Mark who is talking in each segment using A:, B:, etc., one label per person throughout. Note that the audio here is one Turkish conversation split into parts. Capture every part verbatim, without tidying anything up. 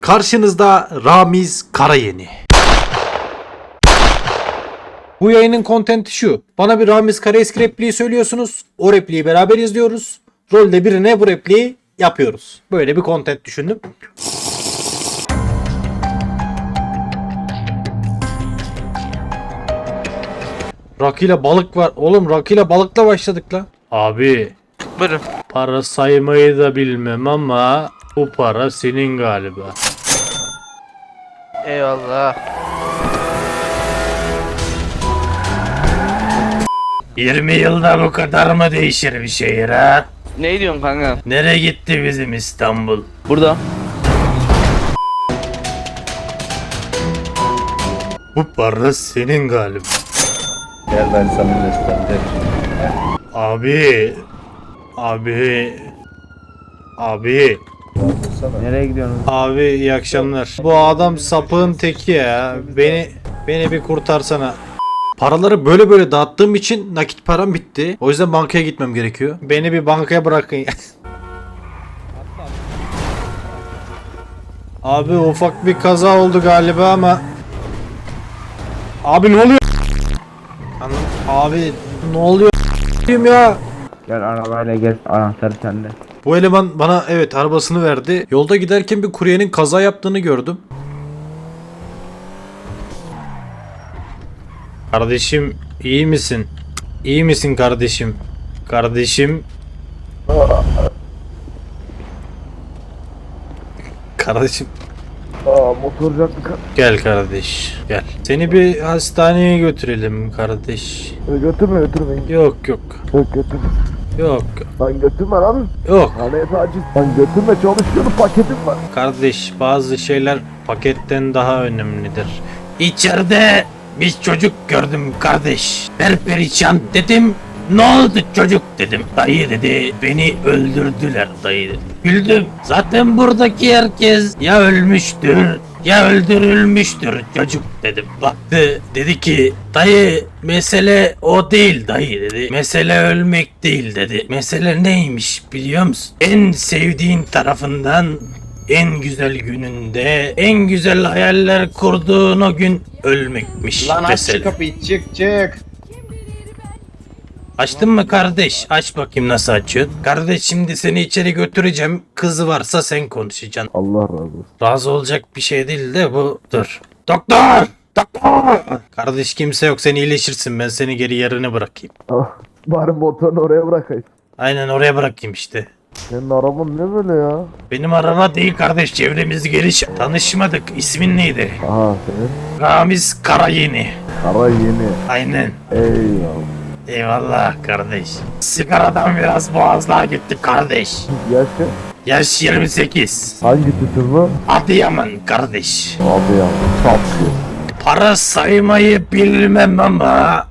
A: Karşınızda Ramiz Karayeni. Bu yayının kontenti şu. Bana bir Ramiz Karaeski repliği söylüyorsunuz. O repliği beraber izliyoruz. Rolde birine bu repliği yapıyoruz. Böyle bir kontent düşündüm. Rakıyla balık var. Oğlum rakıyla balıkla başladık la. Abi.
B: Buyurun.
A: Para saymayı da bilmem ama bu para senin galiba.
B: Eyvallah.
A: yirmi yılda bu kadar mı değişir bir şehir ha?
B: Ne diyorsun kanka?
A: Nereye gitti bizim İstanbul?
B: Burada.
A: Bu para senin galiba.
C: Gel ben sana göstereceğim.
A: Abi. Abi. Abi.
C: Nereye gidiyorsunuz?
A: Abi iyi akşamlar. Bu adam sapığın teki ya. Beni beni bir kurtarsana. Paraları böyle böyle dağıttığım için nakit param bitti. O yüzden bankaya gitmem gerekiyor. Beni bir bankaya bırakın. Abi ufak bir kaza oldu galiba ama. Abi ne oluyor? Anam, abi ne oluyor ya?
C: Gel arabayla gel, anahtarı sende.
A: Bu eleman bana evet arabasını verdi. Yolda giderken bir kuryenin kaza yaptığını gördüm. Kardeşim iyi misin? İyi misin kardeşim? Kardeşim. Kardeşim.
C: Aa motorcak
A: Gel kardeş gel. Seni bir hastaneye götürelim kardeş.
C: götürme götürme.
A: Yok yok.
C: Yok götürme.
A: Yok
C: Lan götürme lan.
A: yok.
C: Haneye taciz. Lan götürme, çalışıyorum, paketim var.
A: Kardeş bazı şeyler paketten daha önemlidir. İçeride bir çocuk gördüm kardeş. Perperişan dedim. Ne oldu çocuk dedim. Dayı dedi beni öldürdüler dayı dedi. Güldüm. Zaten buradaki herkes ya ölmüştür ya öldürülmüştür çocuk dedim. Baktı dedi ki dayı mesele o değil dayı dedi. Mesele ölmek değil dedi. Mesele neymiş biliyor musun? En sevdiğin tarafından en güzel gününde en güzel hayaller kurduğun o gün ölmekmiş.
D: Lan aç
A: mesele.
D: şu kapıyı, çık çık.
A: Açtın mı kardeş? Aç bakayım nasıl açıyorsun. Kardeş şimdi seni içeri götüreceğim. Kızı varsa sen konuşacaksın.
C: Allah razı olsun.
A: Razı olacak bir şey değil de bu. Dur. Doktor! Doktor! Kardeş kimse yok, sen iyileşirsin, ben seni geri yerine bırakayım.
C: Ah, bari motorunu oraya bırakayım.
A: Aynen oraya bırakayım işte.
C: Senin araban ne böyle ya?
A: Benim araba değil kardeş, çevremiz geniş. Tanışmadık. İsmin neydi?
C: Aha senin.
A: Ramiz Karayeni.
C: Kara yeni.
A: Aynen.
C: Eyvallah.
A: Eyvallah kardeş. Sigaradan biraz boğazlığa gitti kardeş.
C: Yaşa.
A: Yaş yirmi sekiz.
C: Hangi tütün mü?
A: Adıyaman kardeş.
C: Abi ya. Saplı.
A: Para saymayı bilmem ama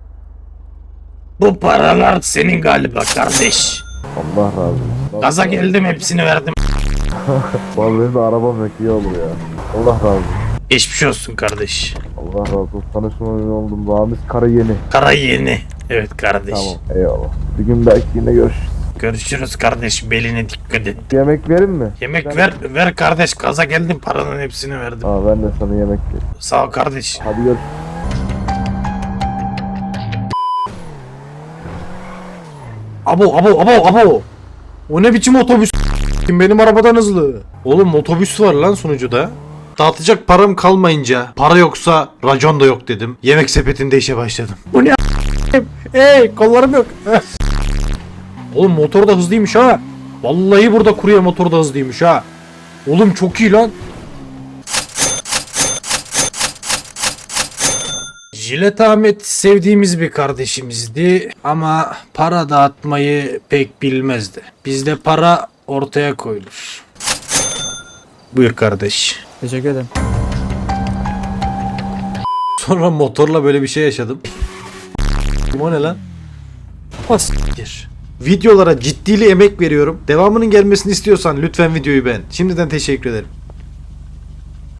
A: bu paralar senin galiba kardeş.
C: Allah razı olsun.
A: Gaza geldim, hepsini verdim.
C: Vallahi benim de arabam yok, iyi olur ya. Allah razı olsun.
A: Geçmiş olsun kardeş.
C: Allah razı olsun. Tanışma memnun oldum. Ramiz Kara yeni.
A: Kara yeni. Evet kardeş.
C: Tamam. Eyvallah. Bir gün belki yine görüşürüz.
A: Görüşürüz kardeş, beline dikkat et.
C: Yemek verin mi?
A: Yemek
C: Ben-
A: ver ver kardeş, gaza geldim, paranın hepsini verdim.
C: Aa ben de sana yemek vereyim.
A: Sağ ol kardeş.
C: Hadi görüşürüz.
A: Abo abo abo abo. O ne biçim otobüs? Benim arabadan hızlı. Oğlum otobüs var lan sunucuda. Dağıtacak param kalmayınca para yoksa racon da yok dedim. Yemek sepetinde işe başladım. Bu ne Hey kollarım yok. Oğlum motor da hızlıymış ha. Vallahi burada kurye motor da hızlıymış ha. Oğlum çok iyi lan. Jilet Ahmet sevdiğimiz bir kardeşimizdi ama para dağıtmayı pek bilmezdi. Bizde para ortaya koyulur. Buyur kardeş.
E: Teşekkür ederim.
A: Sonra motorla böyle bir şey yaşadım. O ne lan? Pastir. Videolara ciddili emek veriyorum. Devamının gelmesini istiyorsan lütfen videoyu beğen. Şimdiden teşekkür ederim.